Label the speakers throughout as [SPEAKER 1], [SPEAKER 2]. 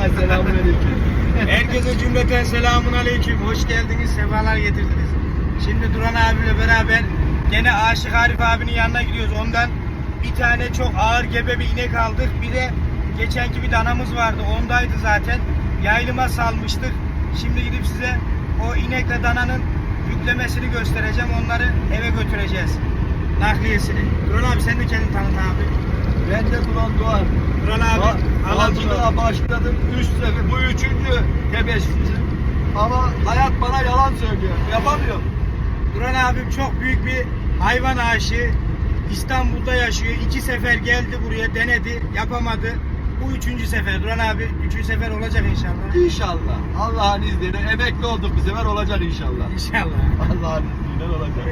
[SPEAKER 1] Selamünaleyküm.
[SPEAKER 2] Herkese cümleten selamun aleyküm. Hoş geldiniz, sefalar getirdiniz. Şimdi Duran abiyle beraber gene Aşık Arif abinin yanına gidiyoruz. Ondan bir tane çok ağır gebe bir inek aldık. Bir de geçenki bir danamız vardı. Ondaydı zaten. Yayılıma salmıştık. Şimdi gidip size o inekle dananın yüklemesini göstereceğim. Onları eve götüreceğiz. Nakliyesini. Duran abi sen de kendini tanıt abi.
[SPEAKER 1] Ben de Duran Doğan.
[SPEAKER 2] Duran abi.
[SPEAKER 1] Havacılığa başladım. 3 sefer. Bu 3. tebeşirim. Ama hayat bana yalan söylüyor. Yapamıyorum.
[SPEAKER 2] Duran abim çok büyük bir hayvan aşığı. İstanbul'da yaşıyor. 2 sefer geldi buraya, denedi, yapamadı. Bu 3. sefer. Duran abi 3. sefer olacak inşallah.
[SPEAKER 1] İnşallah. Allah'ın izniyle emekli olduk bu sefer olacak inşallah.
[SPEAKER 2] İnşallah.
[SPEAKER 1] Allah'ın izniyle olacak.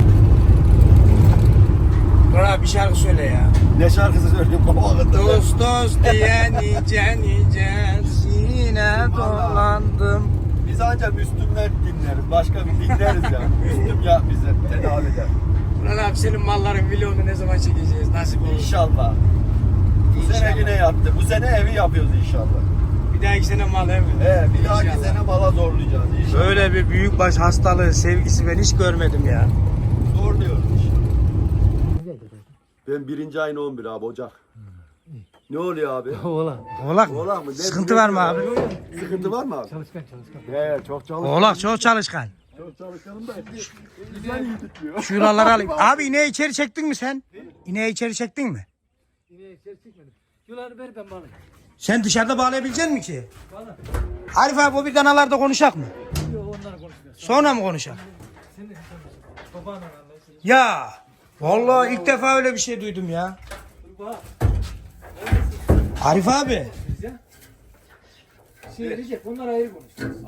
[SPEAKER 2] Duran abi bir şarkı söyle ya.
[SPEAKER 1] Ne şarkısı söylüyorsun baba vakıtta?
[SPEAKER 2] Dost dost diye nice nice yine dolandım.
[SPEAKER 1] Biz ancak Müslümler dinleriz. Başka bir dinleriz ya. Müslüm ya bize tedavi eder.
[SPEAKER 2] Duran abi senin malların vlogunu ne zaman çekeceğiz? Nasip olur.
[SPEAKER 1] İnşallah. Bu sene yine yaptı. Bu sene evi yapıyoruz inşallah.
[SPEAKER 2] Bir dahaki sene mal ev mi?
[SPEAKER 1] Bir dahaki
[SPEAKER 2] İnşallah.
[SPEAKER 1] sene mala zorlayacağız inşallah.
[SPEAKER 2] Böyle bir büyükbaş hastalığı, sevgisi ben hiç görmedim ya.
[SPEAKER 1] Zorluyoruz inşallah. Ben 1. ayın 11 abi Ocak. Ne oluyor abi?
[SPEAKER 2] Oğlak mı?
[SPEAKER 1] Oğlak mı?
[SPEAKER 2] Sıkıntı var mı abi?
[SPEAKER 1] Sıkıntı var mı abi?
[SPEAKER 3] Çalışkan.
[SPEAKER 1] Çok çalışkan.
[SPEAKER 2] Oğlak çok çalışkan.
[SPEAKER 1] Çok çalışkanım da bizden iyi tutmuyor.
[SPEAKER 2] Şuraları alayım. Abi ineği içeri çektin mi sen? İneği içeri çektin mi?
[SPEAKER 3] Yine içeri çıkmadım. Yuları ver ben bağlayayım.
[SPEAKER 2] Sen dışarıda bağlayabilecek misin ki? Arif abi o bir danalarda konuşak mı?
[SPEAKER 3] Yok onları konuşmuyoruz.
[SPEAKER 2] Sonra mı konuşak?
[SPEAKER 3] Sen de babanla anlaşılır.
[SPEAKER 2] Ya vallahi ilk defa öyle bir şey duydum ya.
[SPEAKER 3] Bak.
[SPEAKER 2] Arif abi.
[SPEAKER 3] Recep onlar ayrı konuşuyoruz.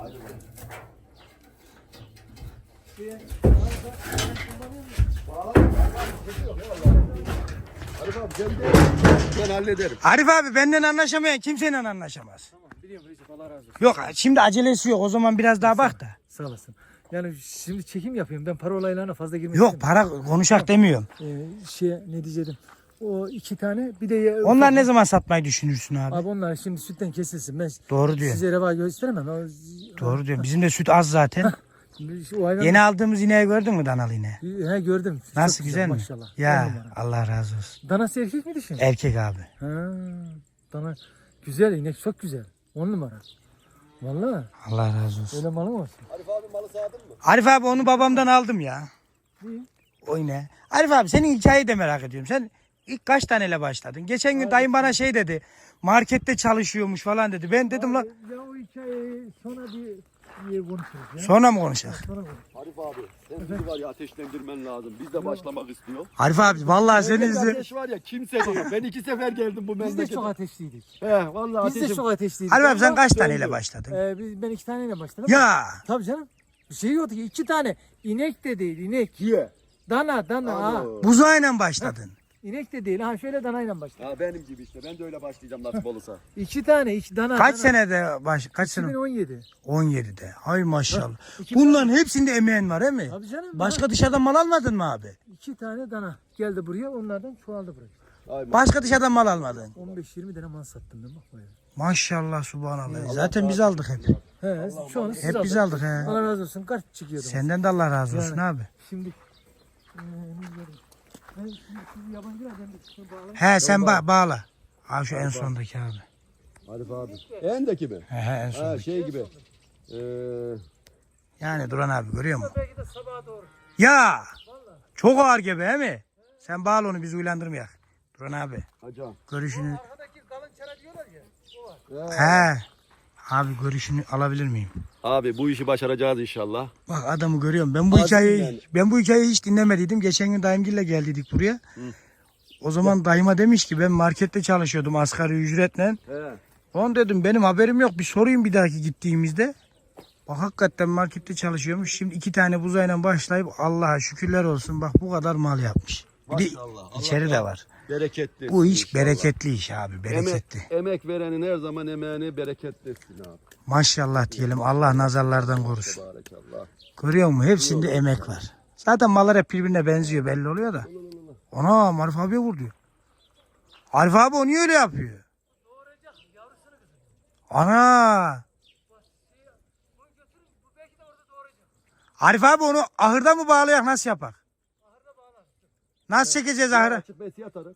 [SPEAKER 1] Arif abi ben hallederim.
[SPEAKER 2] Arif abi benden anlaşamayan kimseyle anlaşamaz.
[SPEAKER 3] Tamam biliyorum Recep Allah razı olsun.
[SPEAKER 2] Yok şimdi acelesi yok o zaman biraz daha bak da.
[SPEAKER 3] Sağ olasın. Yani şimdi çekim yapıyorum. Ben para olaylarına fazla girmek
[SPEAKER 2] Yok
[SPEAKER 3] istemiyorum.
[SPEAKER 2] para konuşak demiyorum.
[SPEAKER 3] Ne diyecektim. O 2 tane bir de
[SPEAKER 2] Onlar ne zaman satmayı düşünürsün abi?
[SPEAKER 3] Abi onlar şimdi sütten kesilsin. Ben
[SPEAKER 2] Doğru diyor.
[SPEAKER 3] size reva gösteremem.
[SPEAKER 2] Doğru diyor. Bizim de süt az zaten.
[SPEAKER 3] O hayvan...
[SPEAKER 2] Yeni aldığımız ineği gördün mü danalı ineği?
[SPEAKER 3] He gördüm.
[SPEAKER 2] Nasıl
[SPEAKER 3] Çok
[SPEAKER 2] güzel mi?
[SPEAKER 3] Maşallah. On
[SPEAKER 2] Ya
[SPEAKER 3] numara.
[SPEAKER 2] Allah razı olsun.
[SPEAKER 3] Danası erkek mi dişi mi?
[SPEAKER 2] Erkek abi.
[SPEAKER 3] Ha, dana güzel inek çok güzel. 10 numara. Vallahi
[SPEAKER 2] Allah razı olsun.
[SPEAKER 3] öyle malım olsun.
[SPEAKER 1] Arif abi malı sağdın mı?
[SPEAKER 2] Arif abi onu babamdan aldım ya.
[SPEAKER 3] İyi.
[SPEAKER 2] O ineği. Arif abi senin hikayeyi de merak ediyorum. Sen ilk kaç taneyle başladın? Geçen gün dayım bana şey dedi. Markette çalışıyormuş falan dedi. Ben dedim lan
[SPEAKER 3] Ya o hikayeyi sonra bir konuşuruz ya.
[SPEAKER 2] sonra mı konuşacak?
[SPEAKER 3] Sonra konuşuruz.
[SPEAKER 1] Arif abi sen bizi var ya ateşlendirmen lazım. Biz de başlamak istiyor.
[SPEAKER 2] Arif abi vallahi seni
[SPEAKER 1] Bende
[SPEAKER 2] izle.
[SPEAKER 1] ateş var ya kimse diyor. Ben 2 sefer geldim bu
[SPEAKER 3] Biz de
[SPEAKER 1] memlekete.
[SPEAKER 3] çok ateşliydik.
[SPEAKER 1] Vallahi
[SPEAKER 3] Biz de
[SPEAKER 1] ateşim.
[SPEAKER 3] çok ateşliydik.
[SPEAKER 2] Arif abi sen
[SPEAKER 3] Ama,
[SPEAKER 2] kaç taneyle başladın?
[SPEAKER 3] ben 2 taneyle başladım.
[SPEAKER 2] Ya
[SPEAKER 3] Tabii canım. Bir şey yoktu ki 2 tane. İnek de değil inek.
[SPEAKER 1] Ye.
[SPEAKER 3] Dana ha.
[SPEAKER 2] buzağıyla başladın.
[SPEAKER 3] İnek de değil. Ha şöyle danayla başladım.
[SPEAKER 1] Ha benim gibi işte. Ben de öyle başlayacağım nasip olursa.
[SPEAKER 3] 2 tane 2 dana.
[SPEAKER 2] Kaç
[SPEAKER 3] dana.
[SPEAKER 2] senede kaç sene?
[SPEAKER 3] 2017.
[SPEAKER 2] 17'de. Hay maşallah.
[SPEAKER 3] 2
[SPEAKER 2] Bunların hepsinde emeğin var değil mi?
[SPEAKER 3] Tabii canım.
[SPEAKER 2] Başka dışarıdan mal almadın mı abi?
[SPEAKER 3] 2 tane dana geldi buraya onlardan çoğaldı buraya.
[SPEAKER 1] Aynen.
[SPEAKER 2] Başka dışarıdan mal almadın.
[SPEAKER 3] 15-20 tane mal sattım ben bak buraya.
[SPEAKER 2] Maşallah subhanallah. Zaten biz aldık hep.
[SPEAKER 3] He, şu an siz
[SPEAKER 2] Hep biz aldık he.
[SPEAKER 3] Allah razı olsun. Kaç çıkıyordunuz?
[SPEAKER 2] Senden de Allah razı olsun
[SPEAKER 3] Yani.
[SPEAKER 2] abi.
[SPEAKER 3] Şimdi ne diyorum? Ben şimdi siz yabancılar ben de şunu bağlayayım.
[SPEAKER 2] He sen bağla. Ha şu en sondaki abi.
[SPEAKER 1] Arif abi. Endeki mi?
[SPEAKER 2] He en
[SPEAKER 1] Ha
[SPEAKER 2] sondaki.
[SPEAKER 1] şey gibi.
[SPEAKER 2] Yani Duran abi görüyor musun?
[SPEAKER 3] Belki de sabaha doğru.
[SPEAKER 2] Ya çok ağır gibi he mi? Sen bağla onu biz uyandırmayak. Duran abi
[SPEAKER 1] Hacam.
[SPEAKER 2] görüşünü.
[SPEAKER 3] Arkadaki kalın çara diyorlar ya. O var.
[SPEAKER 2] He. Abi görüşünü alabilir miyim?
[SPEAKER 1] Abi bu işi başaracağız inşallah.
[SPEAKER 2] Bak adamı görüyorum. Ben bu
[SPEAKER 1] Azim
[SPEAKER 2] hikayeyi
[SPEAKER 1] yani.
[SPEAKER 2] hiç dinlemediydim. Geçen gün dayımgille geldiydik buraya. O zaman dayıma demiş ki ben markette çalışıyordum asgari ücretle.
[SPEAKER 1] He.
[SPEAKER 2] On dedim benim haberim yok. Bir sorayım bir dahaki gittiğimizde. Bak hakikaten markette çalışıyormuş. Şimdi 2 tane buzayla başlayıp Allah'a şükürler olsun. Bak bu kadar mal yapmış. Bir de
[SPEAKER 1] Maşallah.
[SPEAKER 2] içeri de var.
[SPEAKER 1] Bereketli.
[SPEAKER 2] Bu iş
[SPEAKER 1] inşallah.
[SPEAKER 2] bereketli iş abi. Bereketli.
[SPEAKER 1] Emek verenin her zaman emeğini bereketli etsin abi.
[SPEAKER 2] Maşallah diyelim. Allah nazarlardan korusun.
[SPEAKER 1] Barakallah.
[SPEAKER 2] Görüyor musun? Hepsinde emek var. Zaten mallar hep birbirine benziyor belli oluyor da. Ana Arif abiye vur diyor. Arif abi o niye öyle yapıyor? Ana. Arif abi onu ahırda mı bağlayak nasıl yapak? Nasıl çekeceğiz ahıra?
[SPEAKER 1] Açıp besi atarız.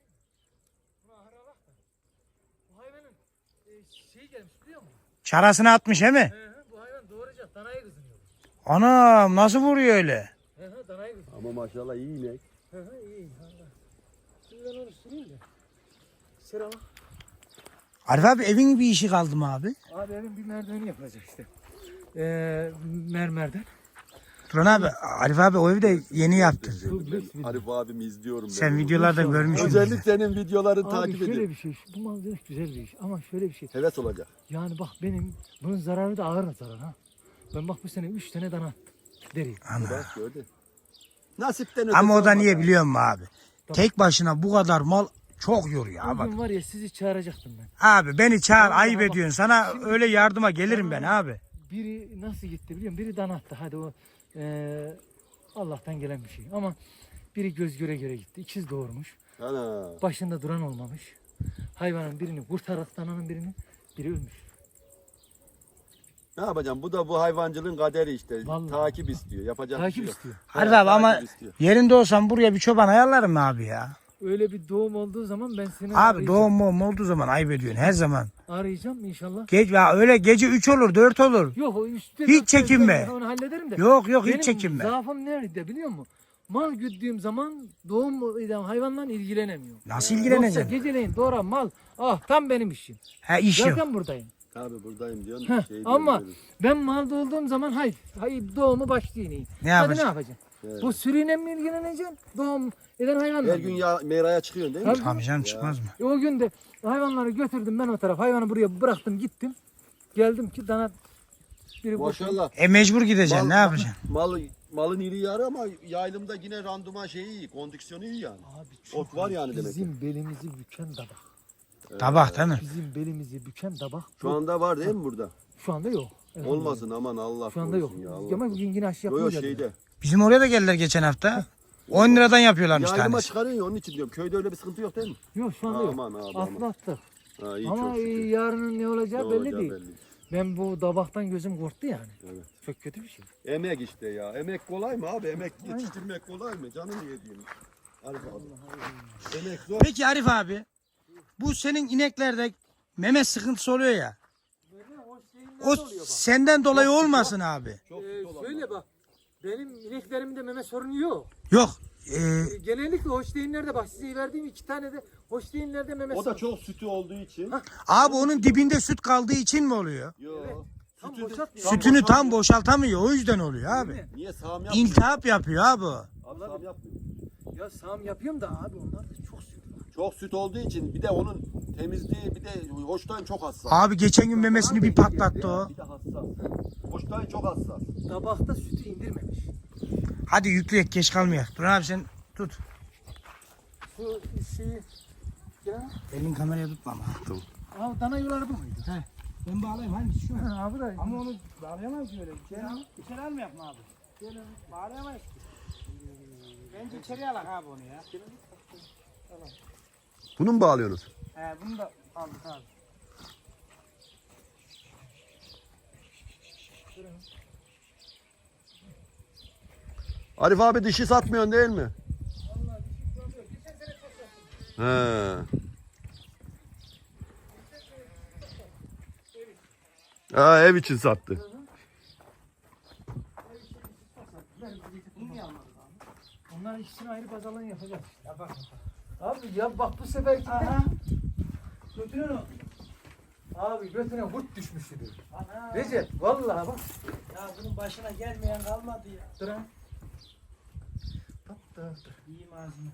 [SPEAKER 3] Bu hayvanın şey gelmiş biliyor musun?
[SPEAKER 2] Çarasını atmış he mi?
[SPEAKER 3] Bu hayvan doğuracak danayı kızınıyor.
[SPEAKER 2] Anam nasıl vuruyor öyle?
[SPEAKER 3] Danayı kızınıyor.
[SPEAKER 1] Ama maşallah iyi inek.
[SPEAKER 3] İyi. Şimdi ben onu süreyim de. Sıra bak.
[SPEAKER 2] Arif abi evin bir işi kaldı mı abi?
[SPEAKER 3] Abi evin bir merdiveni yapılacak işte. Mermerden.
[SPEAKER 2] Turan abi Arif abi o evi de yeni yaptı.
[SPEAKER 1] Arif abimi izliyorum ben.
[SPEAKER 2] Sen videolarda görmüşsün.
[SPEAKER 1] Özellikle senin videolarını
[SPEAKER 3] Abi
[SPEAKER 1] takip
[SPEAKER 3] şöyle
[SPEAKER 1] ediyorum.
[SPEAKER 3] bir şey. Bu malzeme güzel bir iş. Ama şöyle bir şey.
[SPEAKER 1] Heves olacak.
[SPEAKER 3] Yani bak benim bunun zararı da ağır zarar ha. Ben bak bu sene 3 tane dana attım. Deri.
[SPEAKER 1] Bak gördün. Nasipten
[SPEAKER 2] Ama o da
[SPEAKER 1] ötesi
[SPEAKER 2] niye
[SPEAKER 1] olmaz.
[SPEAKER 2] biliyor musun abi? Tek başına bu kadar mal çok yoruyor abi.
[SPEAKER 3] Bugün var ya sizi çağıracaktım ben.
[SPEAKER 2] Abi beni çağır
[SPEAKER 3] Ama
[SPEAKER 2] ayıp
[SPEAKER 3] bak,
[SPEAKER 2] ediyorsun. Sana
[SPEAKER 3] şimdi-
[SPEAKER 2] öyle yardıma gelirim ben abi.
[SPEAKER 3] Biri nasıl gitti biliyor musun? Biri dana attı. Hadi o Allah'tan gelen bir şey. Ama biri göz göre göre gitti. İkiz doğurmuş.
[SPEAKER 1] Ana.
[SPEAKER 3] Başında duran olmamış. Hayvanın birini kurtarak dananın biri ölmüş.
[SPEAKER 1] Ne yapacağım? Bu da bu hayvancılığın kaderi işte.
[SPEAKER 3] Vallahi.
[SPEAKER 1] Takip istiyor. Yapacak bir şey
[SPEAKER 3] Takip
[SPEAKER 1] yok.
[SPEAKER 3] istiyor.
[SPEAKER 2] Arif abi ama
[SPEAKER 1] takip istiyor.
[SPEAKER 2] yerinde olsam buraya bir çoban ayarlarım mı abi ya?
[SPEAKER 3] Öyle bir doğum olduğu zaman ben seni
[SPEAKER 2] Abi
[SPEAKER 3] arayacağım.
[SPEAKER 2] doğum muğum olduğu zaman ayıp ediyorsun her zaman.
[SPEAKER 3] Arayacağım inşallah.
[SPEAKER 2] Ya öyle gece 3 olur 4 olur.
[SPEAKER 3] Yok o üstte
[SPEAKER 2] Hiç
[SPEAKER 3] dört
[SPEAKER 2] çekinme.
[SPEAKER 3] gözle onu hallederim de.
[SPEAKER 2] Yok
[SPEAKER 3] Benim
[SPEAKER 2] hiç çekinme.
[SPEAKER 3] zaafım nerede biliyor musun? Mal güttüğüm zaman doğum eden hayvanla ilgilenemiyorum.
[SPEAKER 2] Nasıl
[SPEAKER 3] Yoksa
[SPEAKER 2] ilgileneceksin?
[SPEAKER 3] geceleyin doğuran mal tam benim işim.
[SPEAKER 2] Ha iş yok.
[SPEAKER 3] Zaten buradayım.
[SPEAKER 1] Abi buradayım diyorsun.
[SPEAKER 3] Heh,
[SPEAKER 1] Şey
[SPEAKER 3] ama
[SPEAKER 1] diyorum,
[SPEAKER 3] ben malda olduğum zaman hayır doğumu başlayayım.
[SPEAKER 2] Ne
[SPEAKER 3] Hadi
[SPEAKER 2] yapacaksın?
[SPEAKER 3] ne yapacaksın?
[SPEAKER 1] Evet.
[SPEAKER 3] Bu sürüyle mi ilgileneceksin? Doğum eden hayvanla
[SPEAKER 1] her
[SPEAKER 3] mı?
[SPEAKER 1] gün ya meraya çıkıyorsun değil mi?
[SPEAKER 3] Tabii.
[SPEAKER 2] Tabii canım çıkmaz mı?
[SPEAKER 3] O gün de hayvanları götürdüm ben o taraf. Hayvanı buraya bıraktım gittim. Geldim ki dana biri boşaldı.
[SPEAKER 1] Maşallah.
[SPEAKER 2] Mecbur gideceksin ne yapacaksın?
[SPEAKER 1] Malın iri yarı ama yaylımda yine randıman şeyi iyi. Kondisyonu iyi yani.
[SPEAKER 3] Abi
[SPEAKER 1] Ot var yani demek ki.
[SPEAKER 3] bizim belimizi büken dabak.
[SPEAKER 2] Tabak değil mi?
[SPEAKER 3] Bizim belimizi büken dabak.
[SPEAKER 1] Şu anda var değil mi burada?
[SPEAKER 3] Şu anda yok. Elhamdülillah.
[SPEAKER 1] Olmasın aman Allah
[SPEAKER 3] Şu anda yok.
[SPEAKER 1] korusun ya. Allah
[SPEAKER 3] Ama yine aşı
[SPEAKER 1] Yok
[SPEAKER 3] yapmayacağız.
[SPEAKER 1] şeyde.
[SPEAKER 2] Bizim oraya da geldiler geçen hafta. 10 liradan yapıyorlarmış
[SPEAKER 1] Yaylıma
[SPEAKER 2] tanesi.
[SPEAKER 1] çıkarıyorsun ya onun için diyorum. Köyde öyle bir sıkıntı yok değil mi?
[SPEAKER 3] Yok şu anda yok.
[SPEAKER 1] Aman abi aman.
[SPEAKER 3] Atlattık.
[SPEAKER 1] Ha, iyi
[SPEAKER 3] Ama
[SPEAKER 1] çok şükür.
[SPEAKER 3] yarının ne olacağı
[SPEAKER 1] Ne
[SPEAKER 3] belli
[SPEAKER 1] olacağı
[SPEAKER 3] değil.
[SPEAKER 1] belli.
[SPEAKER 3] Ben bu dabaktan gözüm korktu yani.
[SPEAKER 1] Evet.
[SPEAKER 3] Çok kötü bir şey.
[SPEAKER 1] Emek işte ya. Emek kolay mı abi? Emek yetiştirmek kolay mı? Canını yediğim. Arif abi. Emek zor.
[SPEAKER 2] Peki Arif abi bu senin ineklerde meme sıkıntısı oluyor ya. O senden dolayı olmasın abi.
[SPEAKER 1] Çok süt olan.
[SPEAKER 3] Şöyle bak. Benim ineklerimde meme sorunu yok.
[SPEAKER 2] Yok.
[SPEAKER 3] Genellikle hoşteyinlerde bak size verdiğim 2 tane de hoşteyinlerde meme
[SPEAKER 1] O da
[SPEAKER 3] sorunu.
[SPEAKER 1] çok sütü olduğu için.
[SPEAKER 2] Abi onun dibinde süt kaldığı için mi oluyor?
[SPEAKER 1] Yok.
[SPEAKER 3] Tam
[SPEAKER 1] Sütü-
[SPEAKER 3] boşaltmıyor.
[SPEAKER 2] Sütünü tam boşaltamıyor o yüzden oluyor abi.
[SPEAKER 1] Niye sağım yapmıyor?
[SPEAKER 2] İltihap yapıyor abi.
[SPEAKER 1] Abi sağım yapmıyor.
[SPEAKER 3] Ya sağım yapıyorum da abi onlar da çok süt var.
[SPEAKER 1] Çok süt olduğu için bir de onun temizliği bir de hoştan çok hassas.
[SPEAKER 2] Abi geçen gün memesini bir patlattı o.
[SPEAKER 1] Bir de hassas. Hoştan çok hassas.
[SPEAKER 3] Tabakta sütü indirmemiş.
[SPEAKER 2] Hadi yükleyek geç kalmayak. Dur abi sen tut.
[SPEAKER 3] Şu şeyi ya.
[SPEAKER 2] Elin kameraya tutma ama.
[SPEAKER 3] Abi dana yuları bu muydu?
[SPEAKER 2] He. Ben bağlayayım hangisi şu an?
[SPEAKER 3] Ha, abi da.
[SPEAKER 2] Ama onu bağlayamayız ki öyle. İçeri almayak mı abi? Bağlayamayız ki. Bence içeri alak abi onu ya.
[SPEAKER 1] Bunu mu bağlıyorsunuz?
[SPEAKER 2] He bunu da aldık abi.
[SPEAKER 1] Arif abi dişi satmıyorsun değil mi? He. Ha, ev için sattı.
[SPEAKER 3] Onlar ikisini ayrı pazarlığını yapacağız. Abi ya bak bu sefer götüne ne? Abi götüne hurt düşmüştü. Recep vallahi bak.
[SPEAKER 2] Ya bunun başına gelmeyen kalmadı ya.
[SPEAKER 3] Dur ha. Dur.
[SPEAKER 2] İyi malzeme.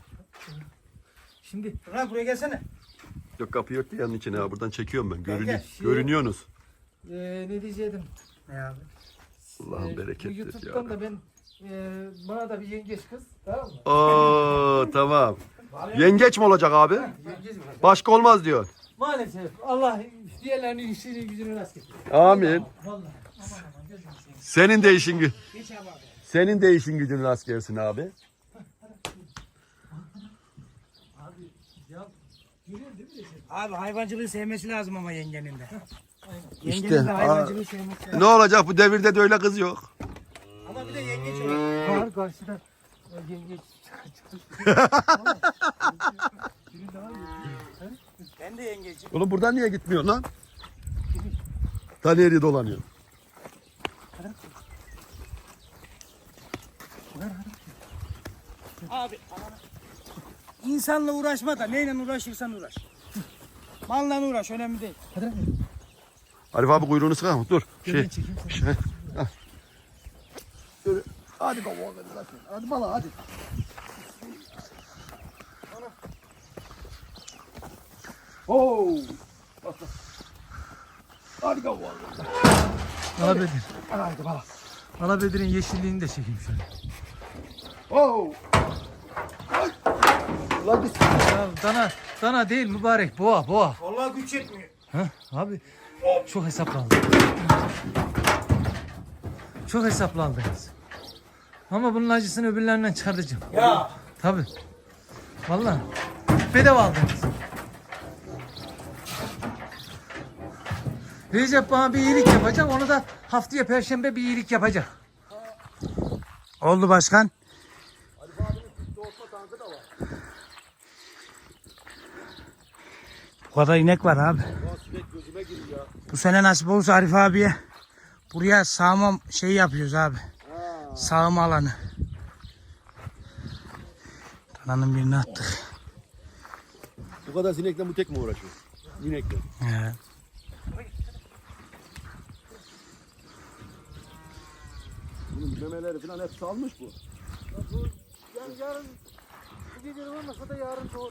[SPEAKER 3] Şimdi
[SPEAKER 2] Dur buraya gelsene.
[SPEAKER 1] Yok kapı yok ki yanın içine ha. Buradan çekiyorum ben.
[SPEAKER 2] gel.
[SPEAKER 1] Görünüyorsunuz.
[SPEAKER 3] ne diyecektim?
[SPEAKER 2] Ne abi?
[SPEAKER 1] Allah'ın
[SPEAKER 3] Bu
[SPEAKER 1] berekettir
[SPEAKER 3] YouTube'dan
[SPEAKER 1] ya.
[SPEAKER 3] da ben bana da bir yengeç kız tamam mı?
[SPEAKER 1] Oo tamam. Yengeç mi olacak abi?
[SPEAKER 3] Yengeç var.
[SPEAKER 1] Başka olmaz diyor.
[SPEAKER 3] Maalesef Allah diğerlerinin işini gücünü rast getiriyor.
[SPEAKER 1] Amin.
[SPEAKER 3] Vallahi aman gözünü seveyim.
[SPEAKER 1] Senin de işin
[SPEAKER 2] Geç abi.
[SPEAKER 1] senin de işin gücün rast gelsin abi.
[SPEAKER 3] Abi ya görüyorsun değil mi Recep?
[SPEAKER 2] Abi hayvancılığı sevmesi lazım ama yengenin de. Yengenin
[SPEAKER 1] İşte,
[SPEAKER 2] de hayvancılığı sevmesi lazım.
[SPEAKER 1] Ne olacak bu devirde de öyle kız yok.
[SPEAKER 2] Ama bir de yengeç olur.
[SPEAKER 3] Var karşıda. Yengeç çıkmış. Biri daha iyi.
[SPEAKER 2] Ben de yengecim.
[SPEAKER 1] Oğlum buradan niye gitmiyor lan? Ta nereye dolanıyor?
[SPEAKER 2] Abi İnsanla uğraşma da neyle uğraşırsan uğraş. Malla uğraş önemli değil.
[SPEAKER 3] Hadi.
[SPEAKER 1] Arif abi kuyruğunu sıkar. Dur.
[SPEAKER 3] Gel çekeyim seni.
[SPEAKER 1] Şey. Dur. Hadi baba. Hadi bala hadi. Oo. Hadi baba.
[SPEAKER 3] Alabedir.
[SPEAKER 1] Hadi bala.
[SPEAKER 3] Alabedir'in yeşilliğini de çekeyim şöyle.
[SPEAKER 1] Oo. Ay. Ulan git.
[SPEAKER 3] Ya dana değil mübarek boğa.
[SPEAKER 2] Vallahi güç yetmiyor.
[SPEAKER 3] Ha abi çok hesaplandı. Çok hesaplandınız. Ama bunun acısını öbürlerinden çıkartacağım.
[SPEAKER 2] Ya.
[SPEAKER 3] Tabii. Vallahi bedava aldınız. Recep bana bir iyilik yapacak. Onu da haftaya Perşembe bir iyilik yapacak.
[SPEAKER 2] Oldu başkan. Bu kadar inek var abi. Bu sene nasip olursa Arif abiye buraya sağma şey yapıyoruz abi. Sağma alanı. Dananın birini attık.
[SPEAKER 1] Bu kadar sinekle bu tek mi uğraşıyor? İnekle.
[SPEAKER 2] He.
[SPEAKER 1] Bunun memeleri falan hep salmış bu.
[SPEAKER 3] Yani yarın bu gece olmasa da yarın doğru.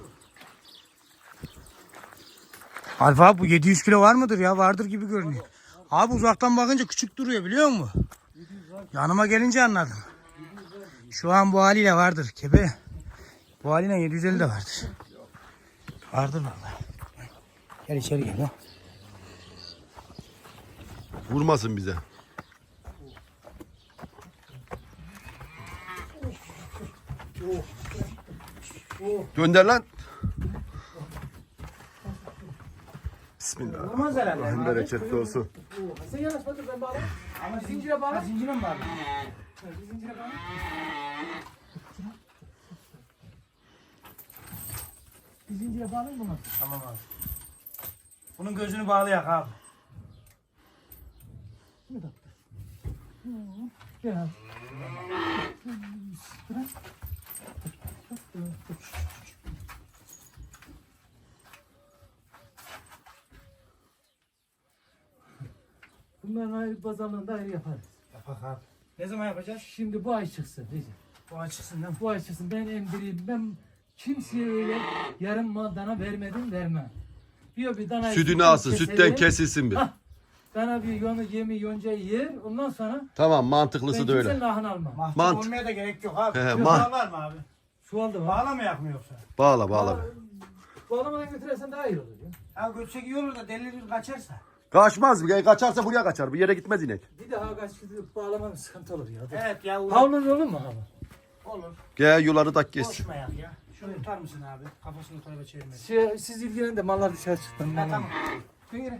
[SPEAKER 2] Arif abi bu 700 kilo var mıdır ya? Vardır gibi görünüyor. Abi uzaktan bakınca küçük duruyor biliyor musun? Yanıma gelince anladım. Şu an bu haliyle vardır kebe. Bu haliyle 750 de vardır. Vardır vallahi. Gel içeri gel ha.
[SPEAKER 1] Vurmasın bize. Gönder lan. Bismillah.
[SPEAKER 2] Olmaz herhalde.
[SPEAKER 1] Allah'ın bereketli olsun.
[SPEAKER 3] Sen yanaşma dur ben bağlayayım.
[SPEAKER 2] Ama
[SPEAKER 3] Zincire bağla.
[SPEAKER 2] Zincire mi bağlı?
[SPEAKER 3] Zincire bağla. Bir zincire bağlayayım mı?
[SPEAKER 2] Tamam abi. Bunun gözünü bağlayak abi.
[SPEAKER 3] Gel. Bunların ayrı pazarlığında ayrı yaparız.
[SPEAKER 2] Yapak abi. Ne zaman yapacağız?
[SPEAKER 3] Şimdi bu ay çıksın Recep.
[SPEAKER 2] Bu açıksın değil mi?
[SPEAKER 3] Bu ay çıksın ben emdireyim. Ben kimseye öyle yarım mal dana vermem. Bir danayı
[SPEAKER 1] Sütünü alsın, sütten kesilsin bir.
[SPEAKER 3] Hah. Dana bir yemi yoncayı yer. Ondan sonra
[SPEAKER 1] Tamam,
[SPEAKER 3] ben
[SPEAKER 1] mantıklısı da öyle.
[SPEAKER 3] kimsenin ahını almam.
[SPEAKER 2] Mahcup
[SPEAKER 1] Mant-
[SPEAKER 2] olmaya da gerek yok abi.
[SPEAKER 1] He,
[SPEAKER 2] Bağ var mı abi?
[SPEAKER 3] Çuvalda var.
[SPEAKER 2] Bağlamayak mı yoksa?
[SPEAKER 1] Bağla.
[SPEAKER 3] Bağlamadan götürürsen daha iyi olur ya.
[SPEAKER 2] Ha götsek iyi olur da delirir kaçarsa.
[SPEAKER 1] Kaçmaz. Kaçarsa buraya kaçar. Bir yere gitmez inek.
[SPEAKER 3] Bir daha kaç bağlamanın sıkıntı olur ya.
[SPEAKER 2] Evet ya uğraş.
[SPEAKER 3] Havlun olur mu hava?
[SPEAKER 2] Olur.
[SPEAKER 1] Gel yuları tak kessin.
[SPEAKER 2] Boşmayak ya. Şunu tutar mısın abi? Kafasını tarafa çevirmesin.
[SPEAKER 3] Siz ilgilenin de mallar dışarı çıktı.
[SPEAKER 2] Ha tamam.
[SPEAKER 3] Dön yere.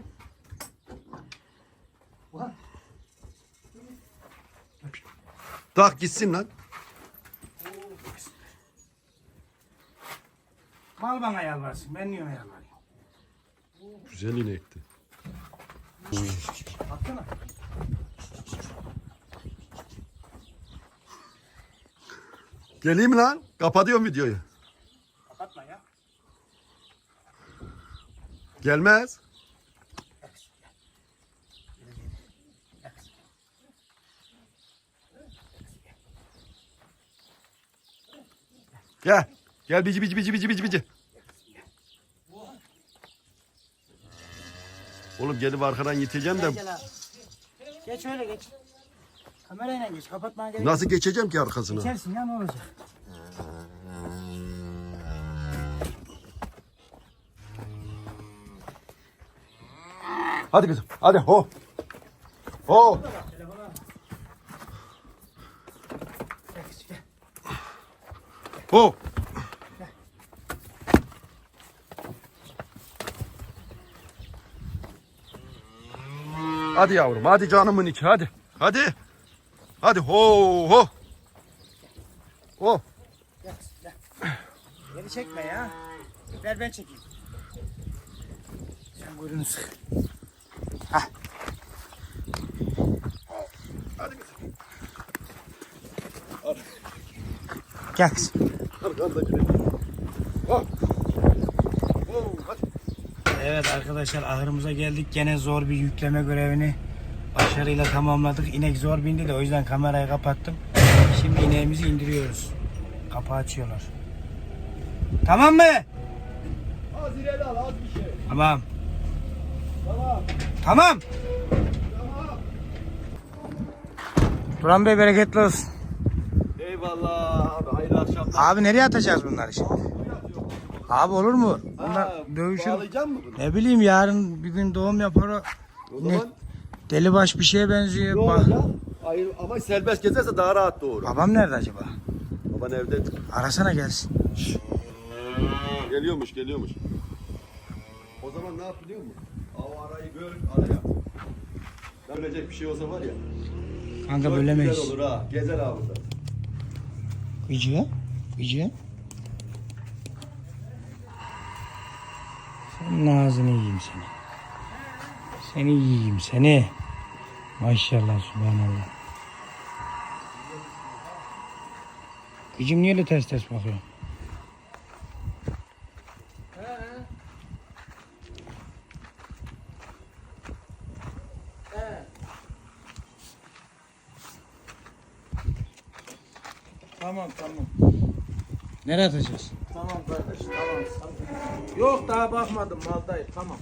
[SPEAKER 3] Ulan.
[SPEAKER 1] Tak gitsin lan.
[SPEAKER 2] Mal bana yalvarsın. Ben niye ona yalvarayım?
[SPEAKER 1] Güzel inekti.
[SPEAKER 2] Baksana.
[SPEAKER 1] Geleyim mi lan? Kapatıyorum videoyu.
[SPEAKER 2] Kapatma ya.
[SPEAKER 1] Gelmez. Gel. Gel bici. Oğlum gelip arkadan yiteceğim de
[SPEAKER 2] Gel abi. Geç öyle geç. Kamerayla geç. Kapatmaya gerek yok.
[SPEAKER 1] nasıl geçeceğim ki arkasına?
[SPEAKER 2] Geçersin ya ne olacak?
[SPEAKER 1] Hadi kızım. Hadi ho. Ho. Hadi yavrum, hadi canımın içi, hadi. Hadi. Hadi ho ho. Ho.
[SPEAKER 2] Gel, gel. Beni çekme ya. Ver ben çekeyim. Sen buyurun sık. Hah.
[SPEAKER 1] Hadi kızım.
[SPEAKER 2] Gel kızım.
[SPEAKER 1] Hadi hadi hadi. Ho. Ho, hadi.
[SPEAKER 2] Evet arkadaşlar ahırımıza geldik. Gene zor bir yükleme görevini başarıyla tamamladık. İnek zor bindi de o yüzden kamerayı kapattım. Şimdi ineğimizi indiriyoruz. Kapağı açıyorlar. Tamam mı?
[SPEAKER 1] Az ileri al, az bir şey.
[SPEAKER 2] Tamam.
[SPEAKER 1] Tamam.
[SPEAKER 2] Tamam.
[SPEAKER 1] Tamam.
[SPEAKER 2] Duran Bey bereketli olsun.
[SPEAKER 1] Eyvallah abi, hayırlı akşamlar.
[SPEAKER 2] Abi nereye atacağız bunları şimdi? Abi olur mu? Bunlar dövüşür.
[SPEAKER 1] Bağlayacak mı bunu?
[SPEAKER 2] Ne bileyim yarın bir gün doğum yapar o.
[SPEAKER 1] O
[SPEAKER 2] Ne?
[SPEAKER 1] zaman
[SPEAKER 2] Delibaş bir şeye benziyor.
[SPEAKER 1] ne olacak? Hayır, ama serbest gezerse daha rahat doğru.
[SPEAKER 2] Babam nerede acaba?
[SPEAKER 1] Baban evde.
[SPEAKER 2] Arasana gelsin.
[SPEAKER 1] Geliyormuş, geliyormuş. O zaman ne yap biliyor musun? O arayı böl, araya. Bölecek bir şey olsa var ya.
[SPEAKER 2] Kanka
[SPEAKER 1] çok
[SPEAKER 2] bölemeyiz.
[SPEAKER 1] güzel olur ha. Gezer ha burada.
[SPEAKER 2] Gıcı. Gıcı. Senin ağzını yiyeyim seni. Seni yiyeyim seni. Maşallah subhanallah. Gıcım niye öyle ters ters bakıyor?
[SPEAKER 3] Tamam tamam.
[SPEAKER 2] Nereye atacağız?
[SPEAKER 3] Tamam kardeş tamam. Yok daha bakmadım maldayım tamam.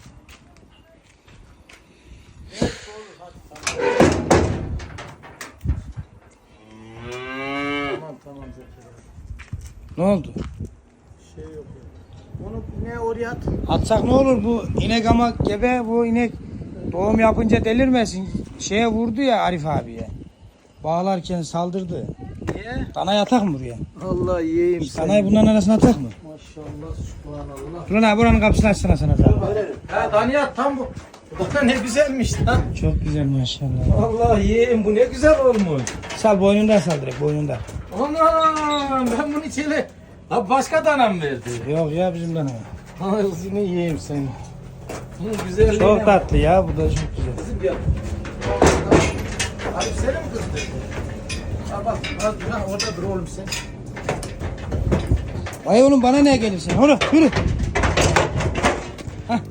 [SPEAKER 3] Tamam Zekeriya.
[SPEAKER 2] Ne oldu?
[SPEAKER 3] Şey yok ya. Onu ne oraya at?
[SPEAKER 2] Atsak ne olur bu inek ama gebe bu inek doğum yapınca delirmesin. Şeye vurdu ya Arif abiye. Bağlarken saldırdı.
[SPEAKER 3] Niye?
[SPEAKER 2] Danayı atak mı buraya?
[SPEAKER 3] Allah yiyeyim seni.
[SPEAKER 2] Danayı bunların arasına atak mı?
[SPEAKER 3] Maşallah subhanallah.
[SPEAKER 2] Duran abi buranın kapısını açsana sana.
[SPEAKER 3] Ha Daniyat tam bu. Bu da ne güzelmiş lan.
[SPEAKER 2] Çok güzel maşallah.
[SPEAKER 3] Allah yiyeyim bu ne güzel olmuş.
[SPEAKER 2] Sal boynundan sal direkt boynundan.
[SPEAKER 3] Anam ben bunu içeri. Abi başka dana mı verdi?
[SPEAKER 2] Yok ya bizim dana.
[SPEAKER 3] Ağzını yiyeyim seni. Bunun güzelliğine
[SPEAKER 2] Çok
[SPEAKER 3] bak.
[SPEAKER 2] tatlı ya bu da çok güzel.
[SPEAKER 3] Kızım gel. Abi seni mi kızdı? Ha bak ha, orada dur oğlum sen.
[SPEAKER 2] Vay oğlum bana ne gelirsin? Oğlum yürü. Hah.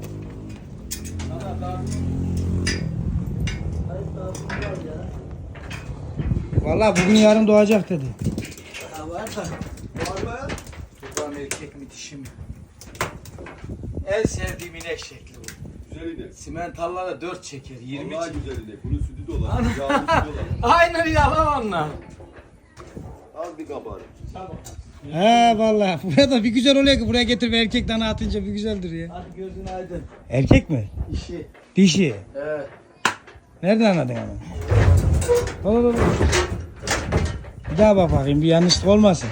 [SPEAKER 2] Vallahi bugün yarın doğacak dedi.
[SPEAKER 3] Ha var da.
[SPEAKER 1] Var mı?
[SPEAKER 3] Çoban erkek mi dişi mi? En sevdiğim inek şekli bu.
[SPEAKER 1] Güzel inek.
[SPEAKER 3] Simentallara 4 çeker 20
[SPEAKER 1] Vallahi
[SPEAKER 3] çeker.
[SPEAKER 1] güzel inek. Bunun sütü de olan. Yağlı sütü olan.
[SPEAKER 3] Aynı yalan onlar.
[SPEAKER 1] Az bir kabarı.
[SPEAKER 2] He vallahi buraya da bir güzel oluyor ki buraya getir bir erkek dana atınca bir güzeldir ya.
[SPEAKER 3] Hadi gözün aydın.
[SPEAKER 2] Erkek mi?
[SPEAKER 3] İşi.
[SPEAKER 2] Dişi.
[SPEAKER 3] Evet.
[SPEAKER 2] Nereden anladın ama? Dur. Bir daha bak bakayım bir yanlışlık olmasın.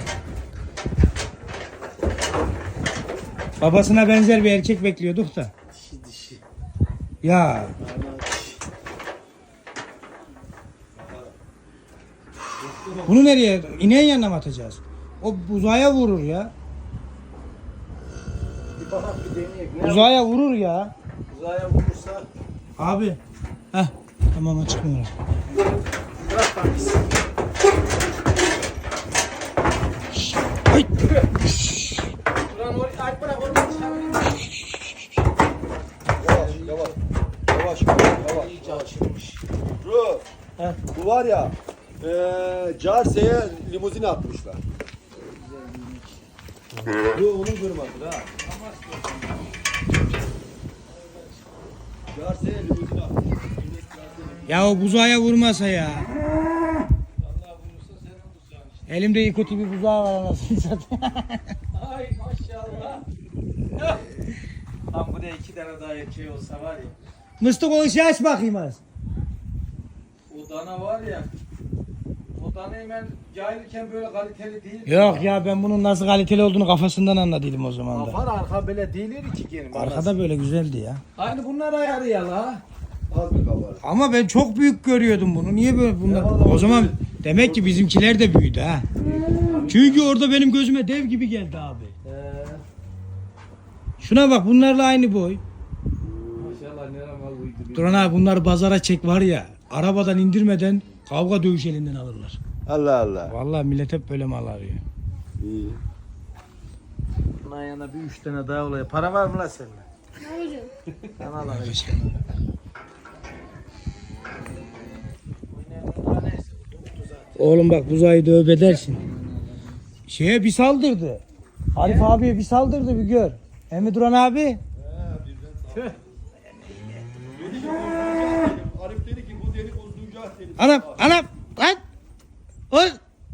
[SPEAKER 2] Babasına benzer bir erkek bekliyorduk da.
[SPEAKER 3] Dişi.
[SPEAKER 2] Ya
[SPEAKER 3] Vallahi dişi.
[SPEAKER 2] bunu nereye? İneğin yanına mı atacağız? O uzaya vurur ya.
[SPEAKER 3] Bir bakalım bir deneyek. Ne
[SPEAKER 2] Uzaya vurur ya.
[SPEAKER 3] uzaya vurursa
[SPEAKER 2] Abi. Heh. Tamam açıkmıyor.
[SPEAKER 3] bırak bakayım.
[SPEAKER 2] Ay.
[SPEAKER 3] Ulan orayı aç bırak orayı dışarı.
[SPEAKER 1] Yavaş, yavaş. Yavaş, yavaş.
[SPEAKER 3] İyice açılmış.
[SPEAKER 1] Şu,
[SPEAKER 3] Heh.
[SPEAKER 1] bu var ya, Carse'ye limuzin atmışlar. Bu onun kırmadır ha. Carse'ye limuzin atmışlar.
[SPEAKER 2] Ya o buzağa vurmasa ya. Elimde iyi kötü bir buzağı var anasını satayım.
[SPEAKER 3] Ay maşallah. Lan buraya 2 tane daha erkeği olsa var ya.
[SPEAKER 2] Mıstık o işi aç bakayım az.
[SPEAKER 3] O dana var ya. O danayı ben cahilken böyle kaliteli değil.
[SPEAKER 2] Yok ya ben bunun nasıl kaliteli olduğunu kafasından anladıydım o zaman da.
[SPEAKER 3] Kafar arka böyle değildir ki gene.
[SPEAKER 2] Arkada böyle güzeldi ya.
[SPEAKER 3] Aynı bunlar ayarı ya la.
[SPEAKER 1] Az bir kabarık.
[SPEAKER 2] Ama ben çok büyük görüyordum bunu. Niye böyle bunlar?
[SPEAKER 1] vallahi
[SPEAKER 2] O zaman demek ki bizimkiler de büyüdü ha. Çünkü orada benim gözüme dev gibi geldi abi. Şuna bak, bunlarla aynı boy.
[SPEAKER 3] Maşallah nerem var uydu.
[SPEAKER 2] Duran abi, bunları pazara çek var ya. Arabadan indirmeden kavga dövüş elinden alırlar.
[SPEAKER 1] Allah Allah.
[SPEAKER 2] Vallahi millet hep böyle mal arıyor.
[SPEAKER 1] İyi.
[SPEAKER 3] Bundan yana bir 3 tane daha oluyor. Para var mı lan sende?
[SPEAKER 4] Ne hocam?
[SPEAKER 3] Sana alalım.
[SPEAKER 2] Oğlum bak, buzayı dövüp edersin. Şeye bir saldırdı. Arif abiye bir saldırdı, bir gör. Hem Duran abi.
[SPEAKER 1] Arif dedi ki bu deli bozduracak dedi.
[SPEAKER 2] Anam lan. Oy.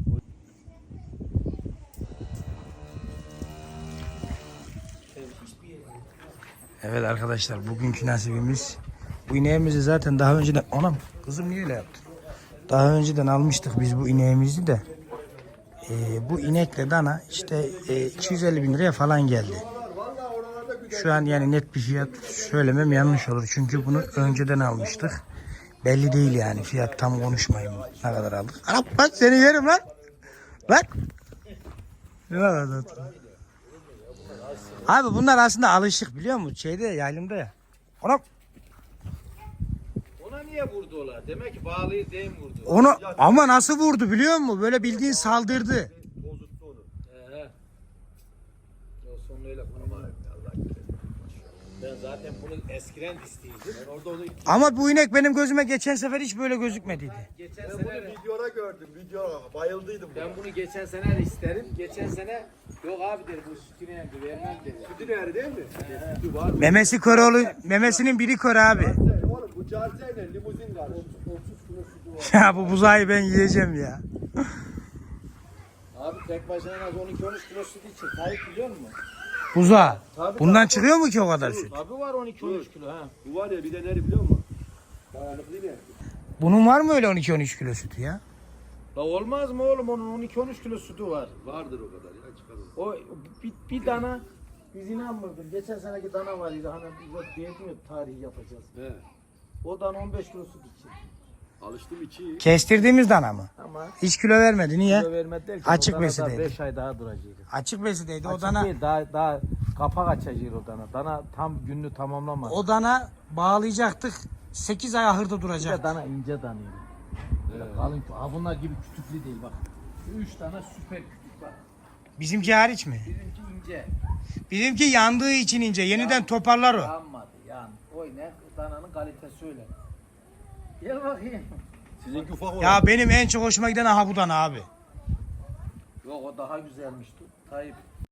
[SPEAKER 2] Evet arkadaşlar, bugünkü nasibimiz bu ineğimizi zaten daha önceden... Anam, kızım niye öyle yaptın? Daha önceden almıştık biz bu ineğimizi de. Bu inekle dana işte 250 bin liraya falan geldi. Şu an yani net bir fiyat söylemem yanlış olur. Çünkü bunu önceden almıştık. Belli değil yani, fiyat tam konuşmayayım ne kadar aldık. Anam bak, seni yerim lan. Lan. Ne kadar tatlı. Abi bunlar aslında alışık, biliyor musun? Şeyde, yaylımda ya. Anam.
[SPEAKER 3] Ona niye vurdu ola? Demek ki bağlıyı değil mi vurdu?
[SPEAKER 2] Onu ama nasıl vurdu biliyor musun? Böyle bildiğin saldırdı.
[SPEAKER 1] Bozuttu onu.
[SPEAKER 3] O son öyle konu var. Ben zaten bunu eskiden isteydim. Ben orada onu
[SPEAKER 2] Ama bu inek benim gözüme geçen sefer hiç böyle gözükmediydi.
[SPEAKER 3] geçen
[SPEAKER 1] Ben bunu
[SPEAKER 3] sene
[SPEAKER 1] videoda gördüm. Videoda bayıldıydım.
[SPEAKER 3] ben bunu geçen sene isterim. Geçen sene yok abi dedi bu sütünü yendi vermem dedi.
[SPEAKER 1] Sütü nerede değil mi? Sütü var.
[SPEAKER 2] Memesi kör oğlu, memesinin biri kör abi.
[SPEAKER 1] Oğlum bu carseyle limuzin var. 30 kilo sütü var.
[SPEAKER 2] Ya bu buzayı ben yiyeceğim ya.
[SPEAKER 3] Abi tek başına en az 12-13 kilo süt için. Tayyip biliyor musun?
[SPEAKER 2] Buza.
[SPEAKER 3] Tabii,
[SPEAKER 2] Bundan çıkıyor mu ki o kadar süt?
[SPEAKER 3] Abi var 12-13 kilo ha.
[SPEAKER 1] Bu var ya bir de neri biliyor musun? Dayanıklı ne?
[SPEAKER 2] Bunun var mı öyle 12-13 kilo sütü ya?
[SPEAKER 3] La olmaz mı oğlum, onun 12-13 kilo sütü var.
[SPEAKER 1] Vardır o kadar ya çıkarır.
[SPEAKER 3] O bir dana biz inanmırdık. Geçen seneki dana var idi hani biz diyedim ya tarihi yapacağız.
[SPEAKER 1] He.
[SPEAKER 3] O dana 15 kilo süt için.
[SPEAKER 1] Alıştım içi.
[SPEAKER 2] Kestirdiğimiz dana mı?
[SPEAKER 3] Ama
[SPEAKER 2] Hiç kilo vermedi, niye?
[SPEAKER 3] kilo vermedi derken
[SPEAKER 2] Açık
[SPEAKER 3] o dana
[SPEAKER 2] besideydi.
[SPEAKER 3] 5 ay daha duracak.
[SPEAKER 2] Açık besideydi o
[SPEAKER 3] Açık
[SPEAKER 2] dana.
[SPEAKER 3] değil, daha kapak açacak o dana. Dana tam gününü tamamlamadı.
[SPEAKER 2] O dana bağlayacaktık. 8 ay ahırda
[SPEAKER 3] Bir de
[SPEAKER 2] duracak.
[SPEAKER 3] dana ince danıydı. Böyle kalın. Ha bunlar gibi kütüklü değil bak. 3 tane süper kütük bak.
[SPEAKER 2] Bizimki hariç mi?
[SPEAKER 3] Bizimki ince.
[SPEAKER 2] Bizimki yandığı için ince. Yeniden toparlar o.
[SPEAKER 3] Yanmadı yan. Oy ne? Dananın kalitesi öyle. Gel bakayım.
[SPEAKER 1] Sizinki ufak olan.
[SPEAKER 2] Ya benim en çok hoşuma giden aha bu dana abi.
[SPEAKER 3] Yok o daha güzelmişti. Tayyip.